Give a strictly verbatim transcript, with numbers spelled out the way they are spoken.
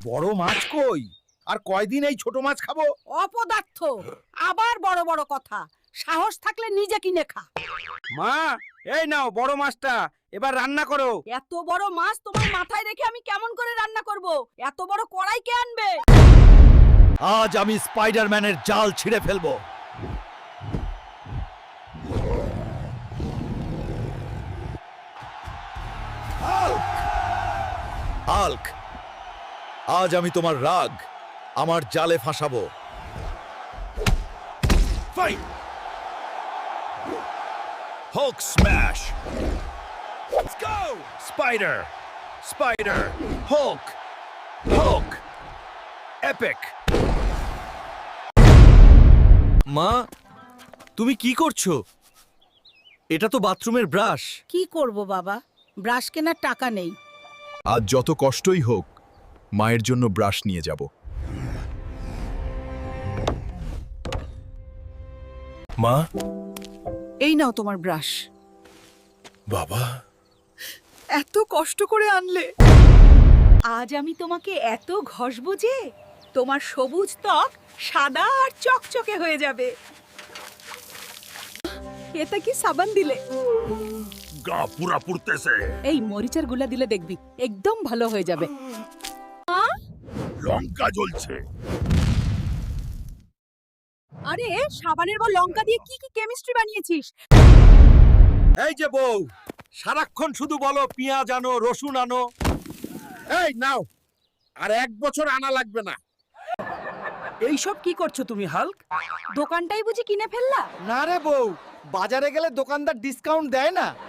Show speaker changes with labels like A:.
A: বড় মাছ কই? আর কয়দিন এই ছোট মাছ খাবো?
B: অপদার্থ, আবার বড় বড় কথা। সাহস থাকলে নিজে কিনে খা।
A: মা, এই নাও বড় মাছটা, এবার রান্না করো।
B: এত বড় মাছ তোমার মাথায় রেখে আমি কেমন করে রান্না করব? এত বড় কড়াই কে আনবে?
C: আজ আমি স্পাইডারম্যানের জাল ছিঁড়ে ফেলবো। হাল্ক, আজ আমি তোমার রাগ আমার জালে ফাঁসাবো। Fight! Hulk smash! Let's go! Spider! Spider! Hulk! Hulk! Epic! মা, তুমি কি করছো? এটা তো বাথরুমের ব্রাশ।
B: কি করব বাবা, ব্রাশ কেনার টাকা নেই।
C: আজ যত কষ্টই হোক, মায়ের জন্য ব্রাশ নিয়ে যাব। মা,
B: এই নাও তোমার ব্রাশ।
C: বাবা,
B: এত কষ্ট করে আনলে। আজ আমি তোমাকে এত ঘষবো যে তোমার সবুজ ত্বক সাদা আর চকচকে হয়ে যাবে। এটা কি সাবান দিলে?
C: গা পুরা পুড়তেছে।
B: এই মরিচের গুলা দিলে দেখবি একদম ভালো হয়ে যাবে।
C: লঙ্কা জ্বলছে।
B: আরে সাবানের পর লঙ্কা দিয়ে কি কি কেমিস্ট্রি বানিয়েছিস?
A: এই যে বউ, সারাক্ষণ শুধু বলো পেঁয়াজ আনো, রসুন আনো। এই নাও, আর এক বছর আনা লাগবে না।
B: এইসব কি করছো তুমি হাল্ক? দোকানটাই বুঝি কিনে ফেললা?
A: না রে বউ, বাজারে গেলে দোকানদার ডিসকাউন্ট দেয় না।